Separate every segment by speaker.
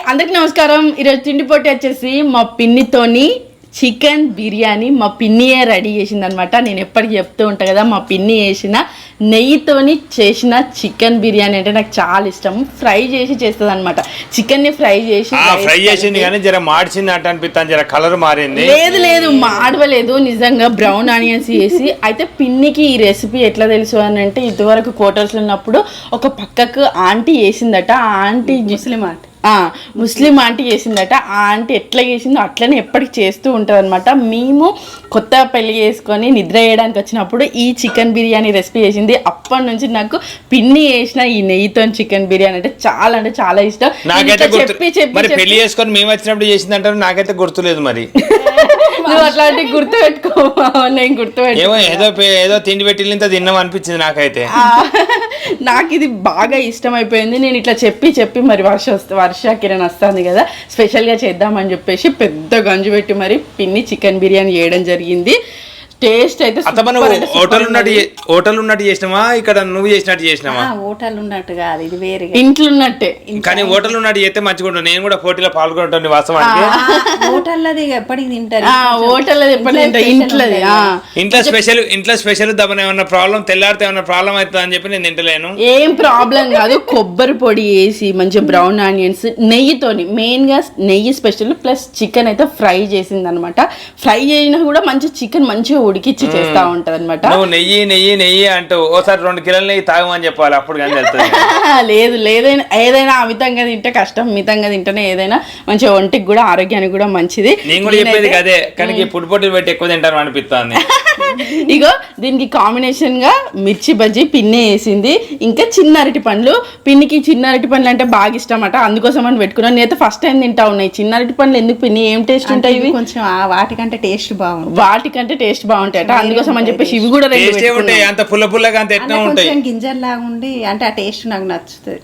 Speaker 1: అందరికి నమస్కారం. ఈరోజు తిండి పోటీ వచ్చేసి మా పిన్నితోని చికెన్ బిర్యానీ మా పిన్నియే రెడీ చేసింది అనమాట. నేను ఎప్పటికీ చెప్తూ ఉంటాను కదా, మా పిన్ని చేసిన నెయ్యితోని చేసిన చికెన్ బిర్యానీ అంటే నాకు చాలా ఇష్టం. ఫ్రై చేసి చేస్తుంది అనమాట. చికెన్ ని ఫ్రై
Speaker 2: చేసింది కానీ జర మార్చింది అంటే అనిపిస్తాను, జర కలర్ మారింది.
Speaker 1: లేదు మాడవలేదు, నిజంగా బ్రౌన్ ఆనియన్స్ వేసి. అయితే పిన్నికి ఈ రెసిపీ ఎట్లా తెలుసు అని అంటే, ఇదివరకు క్వార్టర్స్ ఉన్నప్పుడు ఒక పక్కకు ఆంటీ చేసిందట. ఆ ఆంటీ ముస్లిం ఆంటీ చేసిందట. ఆ ఆంటీ ఎట్లా చేసిందో అట్లనే ఎప్పటికి చేస్తూ ఉంటుంది అనమాట. మేము కొత్త పెళ్లి చేసుకొని నిద్ర చేయడానికి వచ్చినప్పుడు ఈ చికెన్ బిర్యానీ రెసిపీ చేసింది. అప్పటి నుంచి నాకు పిన్ని చేసిన ఈ నెయ్యితో చికెన్ బిర్యానీ అంటే చాలా ఇష్టం.
Speaker 2: చెప్పి పెళ్లి చేసుకొని మేము వచ్చినప్పుడు చేసింది అంటారు, నాకైతే గుర్తులేదు. మరి
Speaker 1: నువ్వు అట్లాంటివి గుర్తు పెట్టుకో, నేను గుర్తుపెట్టుకో.
Speaker 2: ఏదో తిండి పెట్టి ఇంత తిన్నాం అనిపించింది నాకైతే.
Speaker 1: నాకు ఇది బాగా ఇష్టం అయిపోయింది. నేను ఇట్లా చెప్పి మరి వర్ష కిరణ్ వస్తుంది కదా, స్పెషల్గా చేద్దామని చెప్పేసి పెద్ద గంజు పెట్టి మరి పిన్ని చికెన్ బిర్యానీ చేయడం జరిగింది. టేస్ట్ అయితే
Speaker 2: హోటల్ ఉన్నట్టు చేసినామా, ఇక్కడ నువ్వు చేసినట్టు చేసినావా?
Speaker 3: హోటల్ ఉన్నట్టు కాదు, ఇది వేరే
Speaker 1: ఇంట్లో ఉన్నట్టే.
Speaker 2: కానీ హోటల్ ఉన్నట్టు చేస్తే మంచిగా ఉంటుంది. నేను కూడా పోటీలో పాల్గొంటాను వాస్తవానికి.
Speaker 3: హోటల్ది ఎప్పటికి తింటారు,
Speaker 1: హోటల్
Speaker 2: ఇంట్లో స్పెషల్ దమన ఏమన్నా ప్రాబ్లం, తెల్లారితే ఏమన్నా ప్రాబ్లం అవుతుంది అని చెప్పి నేను తింటలేను.
Speaker 1: ఏం ప్రాబ్లం కాదు. కొబ్బరి పొడి వేసి మంచిగా బ్రౌన్ ఆనియన్స్ నెయ్యితోని, మెయిన్ గా నెయ్యి స్పెషల్ ప్లస్ చికెన్ అయితే ఫ్రై చేసింది అనమాట. ఫ్రై చేసినా కూడా మంచి చికెన్ మంచిగా ఉడికిచ్చి చేస్తా ఉంటది అనమాట.
Speaker 2: నువ్వు నెయ్యి అంటూ ఓసారి 2 కిలోల నెయ్యి తాగమని చెప్పాలి, అప్పుడు కానీ తెలుస్తుంది.
Speaker 1: లేదు ఏదైనా అమితంగా తింటే కష్టం, మితంగా తింటేనే ఏదైనా మంచిగా ఒంటికి కూడా ఆరోగ్యానికి కూడా మంచిది.
Speaker 2: నేను కూడా చెప్పేది అదే, కానీ ఫుడ్ పోటీలు పెట్టి ఎక్కువ తింటాను అనిపిస్తుంది.
Speaker 1: ఇగో దీనికి కాంబినేషన్ గా మిర్చి బజ్జీ పిన్ని వేసింది, ఇంకా చిన్న అరటి పండ్లు. పిన్నికి చిన్న అరటి పండ్లు అంటే బాగా ఇష్టం అట, అందుకోసం అని పెట్టుకున్నాను. నేనైతే ఫస్ట్ టైం తింటా ఉన్నాయి చిన్న అరటి పండ్లు. ఎందుకు పిన్ని, ఏం టేస్ట్ ఉంటాయి ఇవి?
Speaker 3: కొంచెం వాటికంటే టేస్ట్
Speaker 1: బాగుంటాయట, అందుకోసం అని చెప్పేసి ఇవి కూడా
Speaker 2: ఉంటాయి. అంత పుల్లగా అంత ఎట్లా ఉంటాయి,
Speaker 3: గింజల్లాగా ఉండి అంటే ఆ టేస్ట్ నాకు నచ్చుతుంది.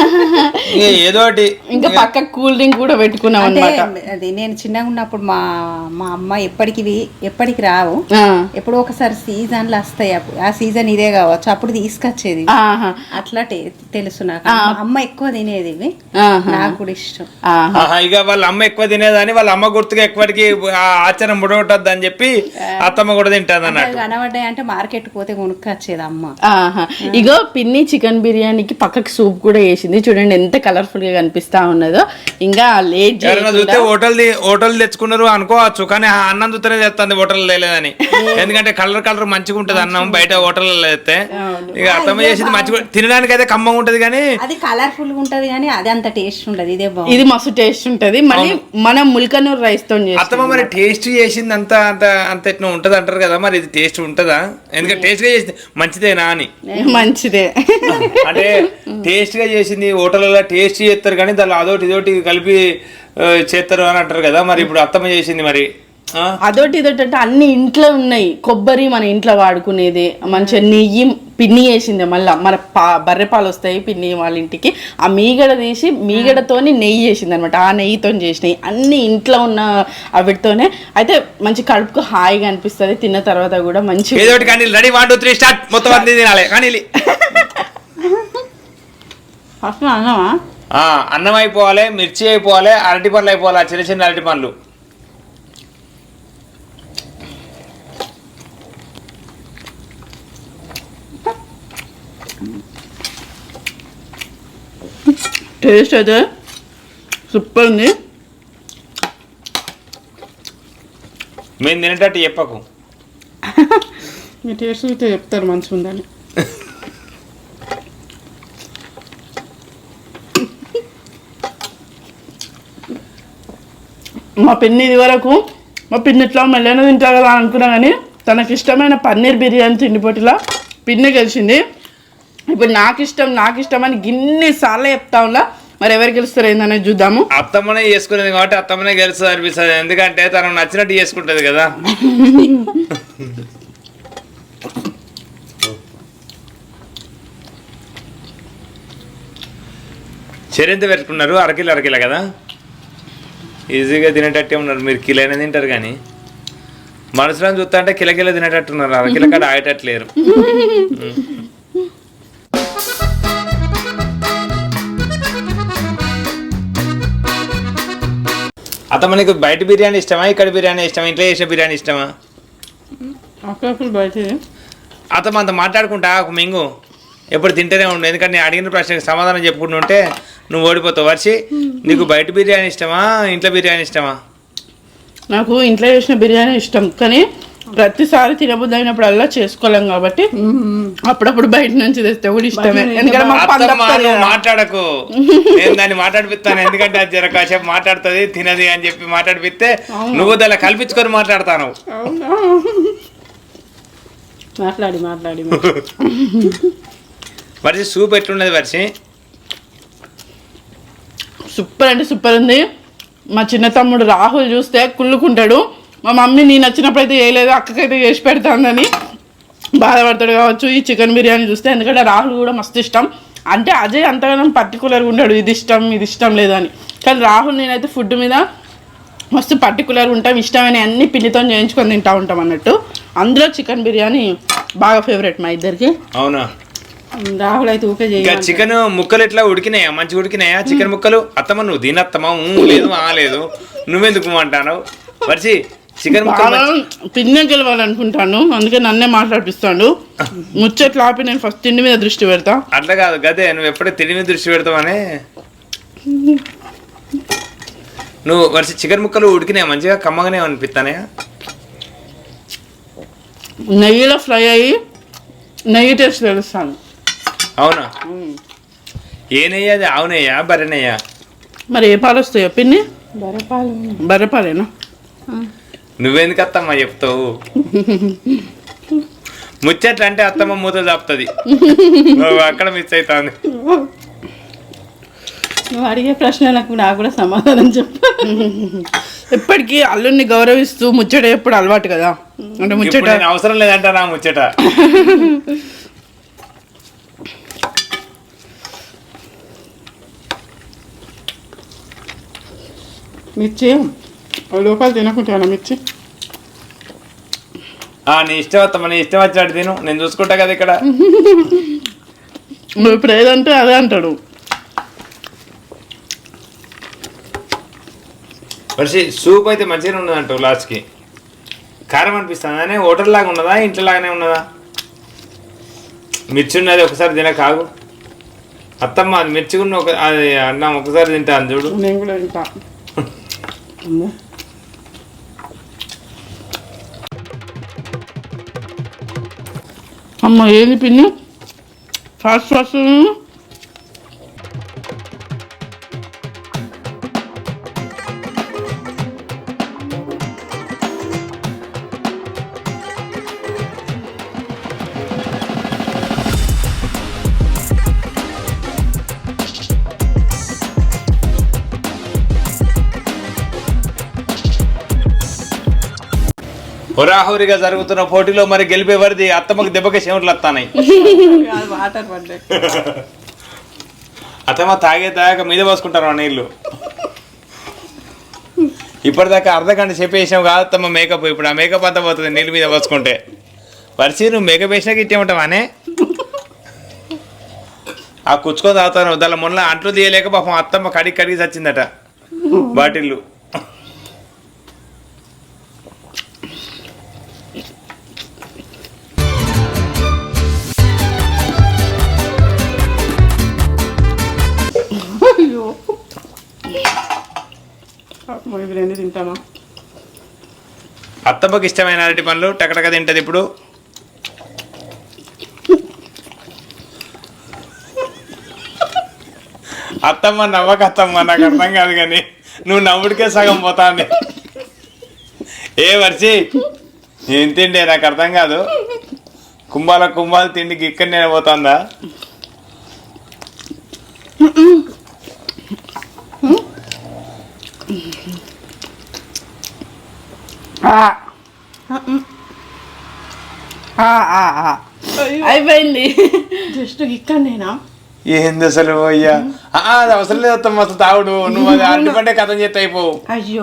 Speaker 2: ఏదో
Speaker 1: ఇంకా పక్క కూల్ డ్రింక్ కూడా పెట్టుకున్నాం అన్నమాట.
Speaker 3: అది నేను చిన్నగా ఉన్నప్పుడు మా అమ్మ ఎప్పటికి రావు, ఎప్పుడో ఒకసారి సీజన్లు వస్తాయి. ఆ సీజన్ ఇదే కావచ్చు, అప్పుడు తీసుకొచ్చేది. అట్లా తెలుసు నాకు. అమ్మ ఎక్కువ తినేది ఇవి, నాకు కూడా ఇష్టం.
Speaker 2: ఇక వాళ్ళ అమ్మ ఎక్కువ తినేదని వాళ్ళ అమ్మ గుర్తుగా ఎక్కువకి ఆచారం ముడగొట్టద్దు అని చెప్పి అత్తమ్మ కూడా తింటాది అన్నట్టు.
Speaker 3: కనబడ్డాయి అంటే మార్కెట్ పోతే కొనుక్కొచ్చేది అమ్మ.
Speaker 1: ఇగో పిన్ని చికెన్ బిర్యానీకి పక్కకి సూప్ కూడా వేసింది. చూడండి ఎంత కలర్ఫుల్ గా కనిపిస్తా ఉన్నదో. ఇంకా లేట్
Speaker 2: చూస్తే హోటల్ తెచ్చుకున్నారు అనుకోవచ్చు, కానీ అన్నం చూస్తేనే తెస్తుంది హోటల్ లేదని. ఎందుకంటే కలర్ మంచిగా ఉంటది అన్నం బయట హోటల్లో తెస్తే. ఇక అత్తమ్మ చేసింది మంచిగా, తినడానికి అయితే కమ్మగా ఉంటది కానీ
Speaker 3: అది కలర్ఫుల్ గా ఉంటది కానీ అది అంత టేస్ట్ ఉండదు.
Speaker 1: ఇది మస్తు టేస్ట్ ఉంటది. మళ్ళీ మనం ముల్కనూరు రైస్ తో
Speaker 2: అత్తమ్మ మరి టేస్ట్ చేసింది అంత ఎట్లా ఉంటది అంటారు కదా, మరి ఇది టేస్ట్ ఉంటదా? ఎందుకంటే టేస్ట్ గా చేసింది మంచిదేనా అని.
Speaker 1: మంచిదే
Speaker 2: అంటే టేస్ట్ గా చేసింది. హోటల్లో టేస్ట్ చేస్తారు కానీ దానిలో అదొకటి ఇదోటి కలిపి చేస్తారు అని అంటారు కదా, మరి ఇప్పుడు అత్తమ్మ చేసింది మరి
Speaker 1: అదొకటి అంటే అన్ని ఇంట్లో ఉన్నాయి. కొబ్బరి మన ఇంట్లో వాడుకునేది, మంచిగా నెయ్యి పిన్ని వేసింది. మళ్ళీ మన బర్రె పాలు వస్తాయి పిన్ని వాళ్ళ ఇంటికి, ఆ మీగడ తీసి మీగడతోని నెయ్యి చేసింది అనమాట. ఆ నెయ్యితో చేసినాయి అన్ని ఇంట్లో ఉన్న వాటితోనే. అయితే మంచి కడుపుకు హాయిగా అనిపిస్తుంది తిన్న తర్వాత కూడా. మంచి
Speaker 2: రెడీ 1 2 3 స్టార్ట్. మొత్తం అన్ని తినాలి కానీ అన్నం అయిపోవాలి, మిర్చి అయిపోవాలి, అరటి పండ్లు అయిపోవాలి, చిన్న చిన్న అరటి పండ్లు.
Speaker 1: టేస్ట్ అయితే సూపర్ ఉంది.
Speaker 2: మేము తినేటట్టు చెప్పకు,
Speaker 1: మీ టేస్ట్ అయితే చెప్తారు మంచిగా ఉందని. మా పిన్ని ఇది వరకు ఇట్లా మెల్లైనా తింటారు కదా అనుకున్నా, కానీ తనకి ఇష్టమైన పన్నీర్ బిర్యానీ తిండిపోటీలా పిన్ని గెలిచింది. ఇప్పుడు నాకు ఇష్టం అని గిన్నిసార్లు చెప్తా ఉన్నా. మరి ఎవరు గెలుస్తారు ఏందనేది చూద్దాము.
Speaker 2: అత్తమ్మనే చేసుకునేది కాబట్టి అత్తమ్మనే గెలుస్తుంది అనిపిస్తుంది, ఎందుకంటే తనకు నచ్చినట్టు చేసుకుంటది కదా. చెరింత పెట్టుకున్నారు, అరకిలో కదా, ఈజీగా తినేటట్టే ఉన్నారు. మీరు కిలో అయినా తింటారు కానీ మనసులో చూస్తా అంటే కిలకిల తినేటట్టున్నారు, అరకిల కాడ ఆగేటట్లేరు. అత్తమ్మ నీకు బయట బిర్యానీ ఇష్టమా ఇక్కడ బిర్యానీ ఇష్టమా ఇంట్లో చేసే బిర్యానీ ఇష్టమా?
Speaker 1: అప్పుడప్పుడు బయట
Speaker 2: అత్తమ్మ అంత మాట్లాడుకుంటా ఒక మింగు ఎప్పుడు తింటూనే ఉండు, ఎందుకంటే నేను అడిగిన ప్రశ్నకి సమాధానం చెప్పుకుంటుంటే నువ్వు ఓడిపోతావు. వర్షి నీకు బయట బిర్యానీ ఇష్టమా ఇంట్లో బిర్యానీ ఇష్టమా?
Speaker 1: నాకు ఇంట్లో చేసిన బిర్యానీ ఇష్టం, కానీ ప్రతిసారి తినబుద్ధి అయినప్పుడల్లా చేసుకోలేం కాబట్టి అప్పుడప్పుడు బయట నుంచి తెస్తే కూడా ఇష్టమే. ఎందుకంటే మాకు పని
Speaker 2: అత్తమ్మ
Speaker 1: తప్పదు
Speaker 2: నువ్వు
Speaker 1: కదా.
Speaker 2: మాట్లాడకు, నేను దాన్ని మాట్లాడిపిస్తాను, ఎందుకంటే అది జర కాసేపు మాట్లాడుతుంది తినది అని చెప్పి మాట్లాడిపిస్తే నువ్వు దాన్ని కల్పించుకొని మాట్లాడతాను.
Speaker 3: మాట్లాడి
Speaker 2: వర్షి సూప్ ఎట్లున్నది వర్షి?
Speaker 1: సూపర్ అంటే సూపర్ ఉంది. మా చిన్న తమ్ముడు రాహుల్ చూస్తే కుళ్ళుకుంటాడు, మా మమ్మీ నేను వచ్చినప్పుడు అయితే చేయలేదు అక్కకైతే చేసి పెడతానని బాధపడతాడు కావచ్చు ఈ చికెన్ బిర్యానీ చూస్తే. ఎందుకంటే రాహుల్ కూడా మస్తు ఇష్టం, అంటే అజయ్ అంతగానో పర్టికులర్గా ఉన్నాడు ఇది ఇష్టం లేదు అని. కానీ రాహుల్ నేనైతే ఫుడ్ మీద మస్తు పర్టికులర్గా ఉంటాం, ఇష్టమైన అన్ని పిండితో చేయించుకొని తింటా ఉంటాం అన్నట్టు. అందులో చికెన్ బిర్యానీ బాగా ఫేవరెట్ మా ఇద్దరికి.
Speaker 2: అవునా?
Speaker 3: రాహుల్ అయితే ఊకే
Speaker 2: ఇంకా చికెన్ ముక్కలు ఎట్లా ఉడికినాయా? మంచిగా ఉడికినాయా చికెన్ ముక్కలు? అత్తమ్మ నువ్వు తినత్తమ్మా లేదు లేదు నువ్వెందుకు అంటాను వర్షి? చికెన్ ముక్కలు
Speaker 1: పిన్నే గెలవాలనుకుంటాను, అందుకే నన్నే మాట్లాడిపిస్తాడు. ముచ్చట్లు ఆపి నేను ఫస్ట్ తిండి మీద దృష్టి పెడతా.
Speaker 2: అట్లా కాదు గదే, నువ్వు ఎప్పుడే తిండి మీద దృష్టి పెడతావని. నువ్వు వర్షి చికెన్ ముక్కలు ఉడికినాయా మంచిగా కమ్మగానే అనిపిస్తానే?
Speaker 1: నెయ్యిలో ఫ్రై అయ్యి నెయ్యి టేస్ట్ తెలుస్తాను.
Speaker 2: అవునా? ఏ నెయ్యి అది? ఆవు నెయ్యా బర్రె నెయ్యా?
Speaker 1: మరి ఏ పాలు వస్తాయో పిన్ని?
Speaker 3: బర్రెపాలు.
Speaker 1: బర్రెపాలేనా?
Speaker 2: నువ్వెందుకు అత్తమ్మ చెప్తావు? ముచ్చట్లు అంటే అత్తమ్మ మూత చాపుతుంది, నువ్వు అక్కడ మిస్ అవుతుంది.
Speaker 3: నువ్వు అడిగే ప్రశ్నలకు నాకు కూడా సమాధానం చెప్పు.
Speaker 1: ఎప్పటికీ అల్లుడిని గౌరవిస్తూ ముచ్చట ఎప్పుడు అలవాటు కదా, అంటే
Speaker 2: ఇప్పుడు
Speaker 1: ముచ్చట
Speaker 2: నేను అవసరం లేదంట నా ముచ్చట.
Speaker 1: మిర్చి లోపల తినకుంటాను మిర్చి.
Speaker 2: నీ ఇష్టం అత్తమ్మ, నీ ఇష్టం వచ్చినట్టు తిను, నేను చూసుకుంటా కదా ఇక్కడ.
Speaker 1: నువ్వు ఇప్పుడు ఏదంటే అదే అంటాడు.
Speaker 2: వర్షి సూప్ అయితే మంచిగానే ఉన్నదంట లాస్ట్కి. కారం అనిపిస్తుంది అనే హోటల్ లాగా ఉన్నదా ఇంట్లో లాగానే ఉన్నదా? మిర్చి ఉన్నది ఒకసారి తిన కాగు అత్తమ్మ, అది మిర్చి ఉన్న అది అన్నం ఒకసారి తింటాను చూడు.
Speaker 1: నేను కూడా తింటా. అమ్మ ఏది పిన్ని ఫాస్ట్
Speaker 2: హోరాహోరీగా జరుగుతున్న పోటీలో మరి గెలిపేవారిది అత్తమ్మకి దెబ్బకి చెమటలు వస్తాయి.
Speaker 3: వాటర్ పడ్డాయి.
Speaker 2: అత్తమ్మ తాగాక మీద పోసుకుంటారు నీళ్ళు. ఇప్పటిదాకా అర్ధగంట చెప్పేసాం కాదు అత్తమ్మ మేకప్, ఇప్పుడు ఆ మేకప్ అంతా పోతుంది నీళ్ళు మీద పోసుకుంటే. వర్షి నువ్వు మేకప్ వేసినాక ఇచ్చేమంటావానే? ఆ కుచ్చుకొని తాగుతాను దాని మొన్న అంట్లు తీయలేక పాపం అత్తమ్మ కడిగి చచ్చిందట బాటిల్లు.
Speaker 1: తింటామా?
Speaker 2: అత్తమ్మకి ఇష్టమైన అరటి పండ్లు టకటక తింటది ఇప్పుడు. అత్తమ్మ నవ్వక అత్తమ్మ, నాకు అర్థం కాదు కానీ నువ్వు నవ్వుడికే సగం పోతాంది. ఏ వర్షి ఏం తిండే నాకు అర్థం కాదు, కుంభాలు తిండికి ఇక్కడ నేను పోతుందా?
Speaker 1: అయిపోయింది. జస్ట్ ఇక్కడ నేనా?
Speaker 2: ఏంది అసలు అయ్యా? అది అవసరం లేదు అత్తమ్మ, అసలు తాగుడు నువ్వు అది అరటి పంటే కథం చేస్తే అయిపోవు.
Speaker 1: అయ్యో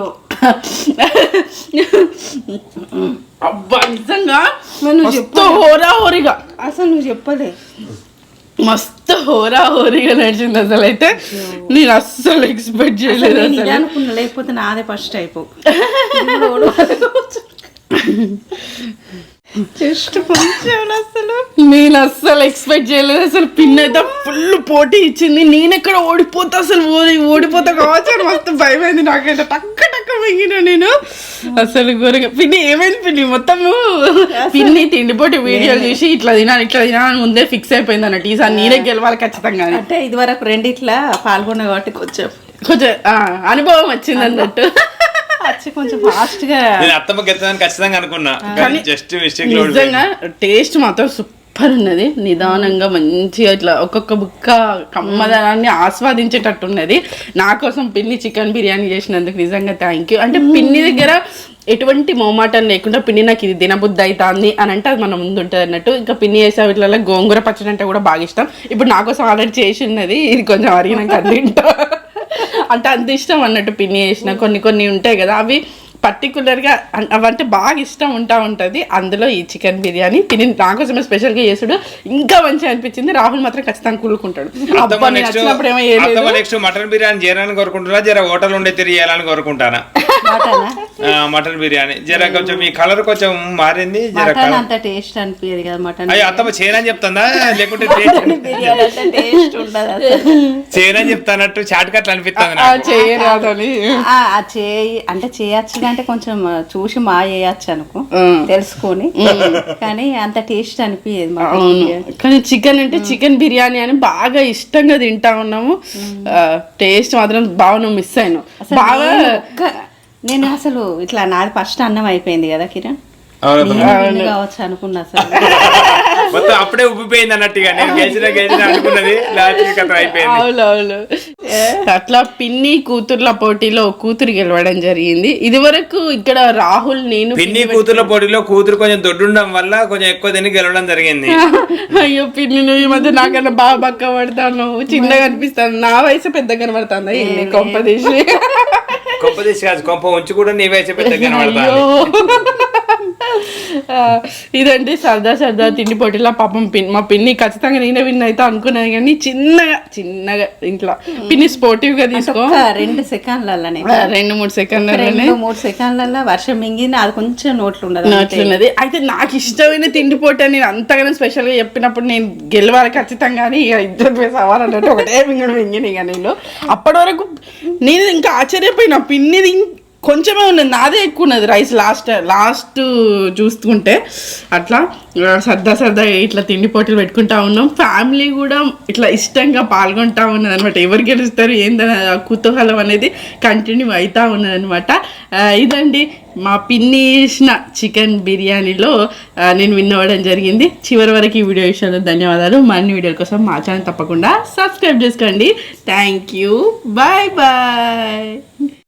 Speaker 1: అబ్బా నిజంగా హోరాహోరీగా
Speaker 3: అసలు నువ్వు చెప్పలే.
Speaker 1: మస్తు హోరీగా నడిచింది అసలు. అయితే నేను అస్సలు ఎక్స్పెక్ట్ చేయలేదు అసలు.
Speaker 3: అనుకున్నా, లేకపోతే నాదే ఫస్ట్ అయిపో జస్ట్ కొంచెం అసలు
Speaker 1: నేను అస్సలు ఎక్స్పెక్ట్ చేయలేదు అసలు. పిన్ అయితే ఫుల్ పోటీ ఇచ్చింది. నేను ఎక్కడ ఓడిపోతా అసలు, ఓడిపోతా కావచ్చు అని మస్తు భయమైంది నాకైతే. టక్క మింగిన నేను అసలు ఘోరంగా. పిన్ని ఏమైంది పిన్ని? మొత్తము పిన్ని తిండిపోటీ వీడియోలు చూసి ఇట్లా తినాలని ముందే ఫిక్స్ అయిపోయింది అన్నట్టు. ఈసారి నేనే గెలవాలి ఖచ్చితంగా.
Speaker 3: అంటే ఇది వరకు రెండిట్లా పాల్గొన్నా కాబట్టి కొంచెం
Speaker 1: అనుభవం వచ్చింది అన్నట్టు.
Speaker 3: కొంచెం ఫాస్ట్ గా
Speaker 2: అత్తమ్మ గెలుతుందని ఖచ్చితంగా అనుకున్నా. జస్ట్ మిస్టేక్
Speaker 1: నిజంగా టేస్ట్ మాత్రం సూపర్ ఉన్నది. నిదానంగా మంచిగా ఇట్లా ఒక్కొక్క బుక్క కమ్మదనాన్ని ఆస్వాదించేటట్టు ఉన్నది. నా కోసం పిన్ని చికెన్ బిర్యానీ చేసినందుకు నిజంగా థ్యాంక్ యూ. అంటే పిన్ని దగ్గర ఎటువంటి మొహమాటం లేకుండా పిన్ని నాకు ఇది తినబుద్ధి అవుతుంది అని అంటే అది మన ముందు ఉంటుంది అన్నట్టు. ఇంకా పిన్ని చేసే వీటిలో గోంగూర పచ్చడి అంటే కూడా బాగా ఇష్టం. ఇప్పుడు నా కోసం ఆల్రెడీ చేసి ఉన్నది, ఇది కొంచెం అరిగినాక అది తింటా. అంటే అంత ఇష్టం అన్నట్టు పిన్ని చేసిన కొన్ని ఉంటాయి కదా, అవి పర్టికులర్గా అవంటే బాగా ఇష్టం ఉంటుంది. అందులో ఈ చికెన్ బిర్యానీ పిన్ని నాకోసమే స్పెషల్గా చేసుడు ఇంకా మంచిగా అనిపించింది. రాహుల్ మాత్రం ఖచ్చితంగా కూలుకుంటాడు.
Speaker 2: నెక్స్ట్ మటన్ బిర్యానీ చేయాలని కోరుకుంటున్నా, జర హోటల్ ఉండే తిరిగేయాలని కోరుకుంటానా. మటన్ బిర్యానీ జర కొంచెం మీ కలర్ కొంచెం మారింది, జర
Speaker 3: అంత టేస్ట్ అనిపించదు కదా మటన్.
Speaker 2: అయ్యో అత్తమ్మ చేయనని చెప్తుందా, లేకుంటే చేయనని చెప్తానట్టు చాట్ కట్లు అనిపిస్తుంది
Speaker 3: అంటే చేయొచ్చు అంటే కొంచెం చూసి మా చేయొచ్చు అనుకో తెలుసుకొని, కానీ అంత టేస్ట్ అనిపించదు.
Speaker 1: కానీ చికెన్ అంటే చికెన్ బిర్యానీ అని బాగా ఇష్టంగా తింటా ఉన్నాము. టేస్ట్ మాత్రం బాగా మిస్ అయినా బాగా.
Speaker 3: నేను అసలు ఇట్లా నాది ఫస్ట్ అన్నం అయిపోయింది కదా కిరణ్, కావచ్చు అనుకున్నా అసలు.
Speaker 2: మొత్తం అప్పుడే ఉబ్బిపోయింది అన్నట్టుగా నేను గెలిచిన అనుకున్నది అయిపోయింది.
Speaker 1: అవునవును. అట్లా పిన్ని కూతుర్ల పోటీలో కూతురు గెలవడం జరిగింది. ఇది వరకు ఇక్కడ రాహుల్ నేను
Speaker 2: పిన్ని కూతుర్ల పోటీలో కూతురు కొంచెం దొడ్డుండడం వల్ల కొంచెం ఎక్కువ తిని గెలవడం జరిగింది.
Speaker 1: అయ్యో పిన్ని నువ్వు ఈ మధ్య నాకన్నా బాగా బక్క పడతాను, చిన్నగా అనిపిస్తాను. నా వయసు పెద్ద కనబడుతుందా ఏంటి? కొంపదీసి
Speaker 2: కాదు, కొంప ఉంచి కూడా నీ వయసు పెద్ద కనబడతాను.
Speaker 1: ఇదండి సరదా తిండి పోటీలో పాపం మా పిన్ని ఖచ్చితంగా నేనే విన్ అయితే అనుకున్నాను, కానీ చిన్నగా ఇంట్లో పిన్ని స్పోర్టివ్ గా తీసుకో
Speaker 3: 2 సెకండ్లలోనే
Speaker 1: 2-3 సెకండ్లలోనే
Speaker 3: 3 సెకండ్లలో వర్షం మింగింది. అది కొంచెం
Speaker 1: నోట్లున్నది. అయితే నాకు ఇష్టమైన తిండి పోటీ అని నేను అంతగానో స్పెషల్ గా చెప్పినప్పుడు నేను గెలవాలి ఖచ్చితంగా అని ఇద్దరు వేసి అవ్వాలన్నట్టు ఒకటే మింగిన ఇక నేను. అప్పటి వరకు నేను ఇంకా ఆశ్చర్యపోయినా, పిన్నిది కొంచెమే ఉన్నది, నాదే ఎక్కువ ఉన్నది రైస్ లాస్ట్ చూసుకుంటే. అట్లా సరదా ఇట్లా తిండి పోటీలు పెట్టుకుంటా ఉన్నాం. ఫ్యామిలీ కూడా ఇట్లా ఇష్టంగా పాల్గొంటా ఉన్నది అనమాట. ఎవరు గెలుస్తారు ఏందని కుతూహలం అనేది కంటిన్యూ అవుతా ఉన్నది అనమాట. ఇదండి మా పిన్ని చేసిన చికెన్ బిర్యానీలో నేను విన్ అవ్వడం జరిగింది. చివరి వరకు ఈ వీడియో విషయంలో ధన్యవాదాలు. మరిన్ని వీడియోల కోసం మా ఛానల్ తప్పకుండా సబ్స్క్రైబ్ చేసుకోండి. Thank you. బాయ్.